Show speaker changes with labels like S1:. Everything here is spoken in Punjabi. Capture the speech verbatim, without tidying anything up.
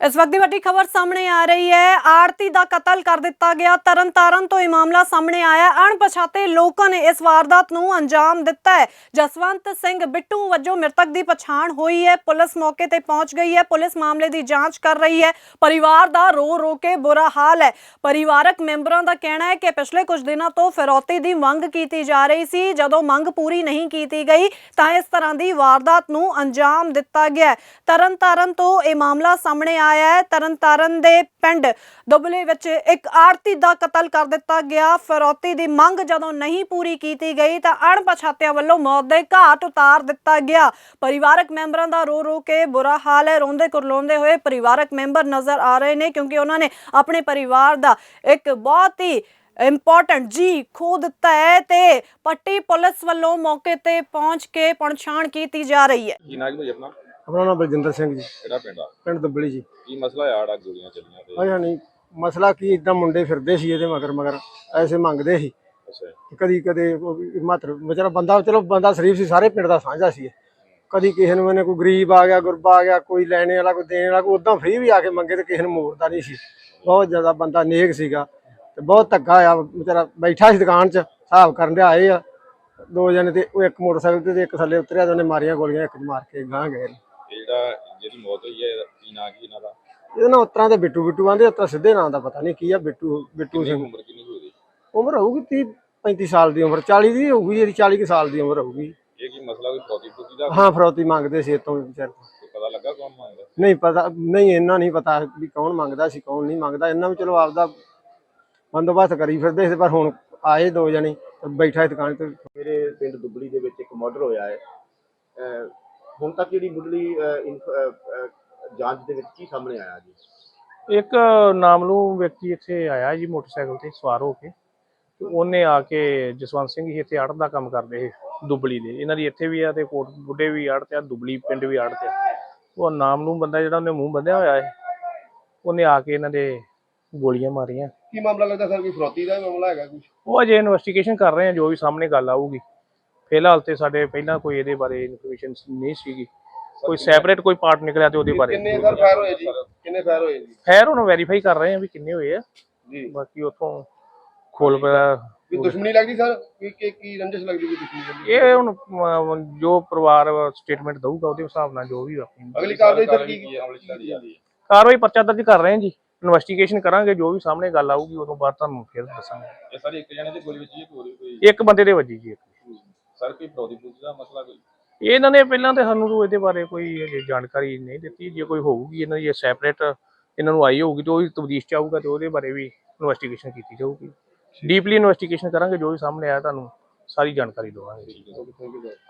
S1: इस वक्त की वड्डी खबर सामने आ रही है। आड़ती का कतल कर दिता गया। तरन तारण तो यह मामला सामने आया। अणपछाते लोगों ने इस वारदात नूं अंजाम दिता है। जसवंत सिंह बिट्टू वजों मृतक की पछाण हुई है। पुलिस मौके ते पहुंच गई है। पुलिस मामले की जांच कर रही है। परिवार का रो रो के बुरा हाल है। परिवारक मैंबरों का कहना है कि पिछले कुछ दिनों तो फिरौती की मंग की जा रही सी। जदों मंग पूरी नहीं की गई तो इस तरह की वारदात नूं अंजाम दिता गया। तरन तारण तो यह मामला सामने आया है। तरन तारण दे पिंड दुबले विच एक आड़ती का कतल कर दिता गया। फिरौती की मंग जदों नहीं पूरी की गई तो अणपछातियां वालों मौत के घाट उतार दिता गया। परिवारक मैंबरों का रो रो के बुरा हाल है। रोंदे कुरलाउंदे हुए परिवारक मैंबर नजर आ रहे हैं क्योंकि उन्होंने अपने परिवार का एक बहुत ही इंपॉर्टेंट जी खो दिता है। ते पट्टी पुलिस वालों मौके ते पहुंच के पहचान की जा रही है।
S2: अपना नाम बलजिंदर सिंह जी,
S3: ਕਿਹੜਾ ਪਿੰਡ ਆ
S2: पिंड दुबली जी।
S3: ਕੀ ਮਸਲਾ ਆ ਆੜਾ ਗੋਲੀਆਂ ਚੱਲੀਆਂ ਤੇ
S2: अच्छा नहीं मसला की इदा मुंडे फिरदे सी इहदे मगर मगर ऐसे मंगदे सी
S3: ਅੱਛਾ
S2: कदी कदे हिमाचल बेचारा बंदा चलो बंदा शरीफ सी सारे पिंड दा साझा सी कदी किसी ने मैंने कोई गरीब आ गया गुरबा आ गया कोई लैने वाला कोई देने वाला कोई उदा फ्री भी आके मंगे तो किसी ने मोड़ता नहीं सी। बहुत ज़्यादा बंदा नेक सीगा ते बहुत धक्का आया बेचारा बैठा सी दुकान च हिसाब करन दे आए आ दो जने ते एक मोटरसाइकिल ते एक थल्ले उतरिया ते उन्हें मारियां गोलियां एक मार के गां गए।
S3: ਤੇ ਜਿਹੜਾ ਜਿਹਦੀ मौत हुई है ਕੀ ਨਾਂ ਕੀ ਇਹਨਾਂ ਦਾ
S2: ਇਹਦਾ ਨਾ ਉਤਰਾਂ ਦੇ ਬਿੱਟੂ ਬਿੱਟੂ ਆਂਦੇ ਉਤਰਾਂ ਸਿੱਧੇ ਨਾਂ ਦਾ ਪਤਾ ਨਹੀਂ ਕੀ ਆ ਬਿੱਟੂ ਬਿੱਟੂ ਸਿੰਘ
S3: ਉਮਰ ਕਿੰਨੀ ਕੁ ਹੋਈ
S2: ਉਮਰ ਹੋਊਗੀ तीस पैंतीस साल ਦੀ ਉਮਰ चालीस ਦੀ ਹੋਊਗੀ ਜਿਹੜੀ चालीस ਕੁ ਸਾਲ ਦੀ ਉਮਰ ਹੋਊਗੀ।
S3: ਇਹ ਕੀ ਮਸਲਾ ਕੋਈ ਫੌਜੀ ਫੌਜੀ ਦਾ
S2: ਹਾਂ ਫਰੌਤੀ ਮੰਗਦੇ ਸੀ ਇਤੋਂ ਵਿਚਾਰ
S3: ਕੋਈ ਪਤਾ ਲੱਗਾ ਕੌਣ ਮੰਗਦਾ
S2: ਨਹੀਂ ਪਤਾ ਨਹੀਂ ਇਹਨਾਂ ਨਹੀਂ ਪਤਾ ਵੀ ਕੌਣ ਮੰਗਦਾ ਸੀ ਕੌਣ ਨਹੀਂ ਮੰਗਦਾ। ਇਹਨਾਂ ਵੀ ਚਲੋ ਆਪਦਾ ਬੰਦੋਬਸਤ ਕਰੀ ਫਿਰਦੇ ਸੀ ਪਰ ਹੁਣ ਆਏ ਦੋ ਜਣੇ ਬੈਠਾ ਦੁਕਾਨ ਤੇ।
S4: ਮੇਰੇ ਪਿੰਡ ਦੁਬਲੀ ਦੇ ਵਿੱਚ ਇੱਕ ਮਰਡਰ ਹੋਇਆ ਹੈ। ਅਹ ਹੁਣ ਤੱਕ ਜਿਹੜੀ ਮੁੱਢਲੀ ਜਾਂਚ ਦੇ ਵਿੱਚ ਕੀ ਸਾਹਮਣੇ ਆਇਆ ਜੀ?
S5: ਇੱਕ ਨਾਮਲੂਮ ਵਿਅਕਤੀ ਇੱਥੇ ਆਇਆ ਜੀ ਮੋਟਰਸਾਈਕਲ ਤੇ ਸਵਾਰ ਹੋ ਕੇ ਤੇ ਉਹਨੇ ਆ ਕੇ ਜਸਵੰਤ ਸਿੰਘ ਜੀ ਇੱਥੇ ਆੜਤ ਦਾ ਕੰਮ ਕਰਦੇ ਸੀ ਦੁਬਲੀ ਦੇ। ਇਹਨਾਂ ਦੀ ਇੱਥੇ ਵੀ ਆ ਤੇ ਕੋਟ ਬੁੱਢੇ ਵੀ ਆੜਤ ਆ ਦੁਬਲੀ ਪਿੰਡ ਵੀ ਆੜਤ ਆ। ਉਹ ਨਾਮਲੂਮ ਬੰਦਾ ਜਿਹੜਾ ਉਹਨੇ ਮੂੰਹ ਬੰਨਿਆ ਹੋਇਆ ਹੈ ਉਹਨੇ ਆ ਕੇ ਇਹਨਾਂ ਦੇ ਗੋਲੀਆਂ ਮਾਰੀਆਂ।
S4: ਕੀ ਮਾਮਲਾ ਲੱਗਦਾ ਸਰ? ਕੋਈ ਫਰੌਤੀ ਦਾ ਮਾਮਲਾ ਹੈਗਾ ਕੁਝ?
S5: ਉਹ ਅਜੇ ਇਨਵੈਸਟੀਗੇਸ਼ਨ ਕਰ ਰਹੇ ਆ। ਜੋ ਵੀ ਸਾਹਮਣੇ ਗੱਲ ਆਊਗੀ। ਫਿਲਹਾਲ ਤੇ ਸਾਡੇ ਪਹਿਲਾਂ ਕੋਈ ਇਹਦੇ ਬਾਰੇ ਇਨਫੋਰਮੇਸ਼ਨ ਨਹੀਂ ਸੀਗੀ। ਕੋਈ ਸੈਪਰੇਟ ਕੋਈ ਪਾਰਟ ਨਿਕਲਿਆ ਤੇ ਉਹਦੇ ਬਾਰੇ
S4: ਕਿੰਨੇ ਸਰ ਫਾਇਰ ਹੋਏ ਜੀ? ਕਿੰਨੇ ਫਾਇਰ ਹੋਏ ਜੀ?
S5: ਖੈਰ ਹੁਣ ਵੈਰੀਫਾਈ ਕਰ ਰਹੇ ਆ ਵੀ ਕਿੰਨੇ ਹੋਏ ਆ
S4: ਜੀ।
S5: ਬਾਕੀ ਉੱਥੋਂ ਖੋਲ ਪਿਆ
S4: ਵੀ ਦੁਸ਼ਮਣੀ ਲੱਗਦੀ ਸਰ? ਕੀ ਕੀ ਕੀ ਰੰਜਿਸ਼ ਲੱਗਦੀ ਕੋਈ ਦੁਸ਼ਮਣੀ?
S5: ਇਹ ਹੁਣ ਅਮ, ਜੋ ਪਰਿਵਾਰ ਸਟੇਟਮੈਂਟ ਦਊਗਾ ਉਹਦੇ ਹਿਸਾਬ ਨਾਲ ਜੋ ਵੀ ਆਪਣੀ
S4: ਅਗਲੀ ਕਾਰਵਾਈ ਸਰ ਕੀ ਕੀ
S3: ਅਮਲ ਚ ਲਿਆਂਦੀ ਜਾਂਦੀ ਹੈ?
S5: ਕਾਰਵਾਈ ਪਰਚਾ ਦਰਜ ਕਰ ਰਹੇ ਹਾਂ ਜੀ। ਇਨਵੈਸਟੀਗੇਸ਼ਨ ਕਰਾਂਗੇ। ਜੋ ਵੀ ਸਾਹਮਣੇ ਗੱਲ ਆਊਗੀ ਉਦੋਂ ਬਾਅਦ ਤੁਹਾਨੂੰ ਫਿਰ ਦੱਸਾਂਗੇ।
S3: ਇਹ ਸਾਰੀ ਇੱਕ ਜਣੇ ਦੀ ਗੋਲੀ ਵੱਜੀ ਹੈ ਕੋਈ ਕੋਈ
S5: ਇੱਕ ਬੰਦੇ ਦੇ ਵੱਜੀ ਜੀ।
S3: ਸਰ ਕੋਈ ਫੌਜੀ ਫੌਜੀ ਦਾ ਮਸਲਾ ਕੋਈ
S5: ਇਹਨਾਂ ਨੇ ਪਹਿਲਾਂ ਤੇ ਸਾਨੂੰ ਇਹਦੇ ਬਾਰੇ ਕੋਈ ਅਜੇ ਜਾਣਕਾਰੀ ਨਹੀਂ ਦਿੱਤੀ। ਜੇ ਕੋਈ ਹੋਊਗੀ ਇਹਨਾਂ ਦੀ ਸੈਪਰੇਟ ਇਹਨਾਂ ਨੂੰ ਆਈ ਹੋਊਗੀ ਤਾਂ ਉਹ ਤਬਦੀਸ਼ ਚ ਆਊਗਾ ਤੇ ਉਹਦੇ ਬਾਰੇ ਵੀ ਇਨਵੈਸਟੀਗੇਸ਼ਨ ਕੀਤੀ ਜਾਊਗੀ। ਡੀਪਲੀ ਇਨਵੈਸਟੀਗੇਸ਼ਨ ਕਰਾਂਗੇ। ਜੋ ਵੀ ਸਾਹਮਣੇ ਆਇਆ ਤੁਹਾਨੂੰ ਸਾਰੀ ਜਾਣਕਾਰੀ ਦੇਵਾਂਗੇ।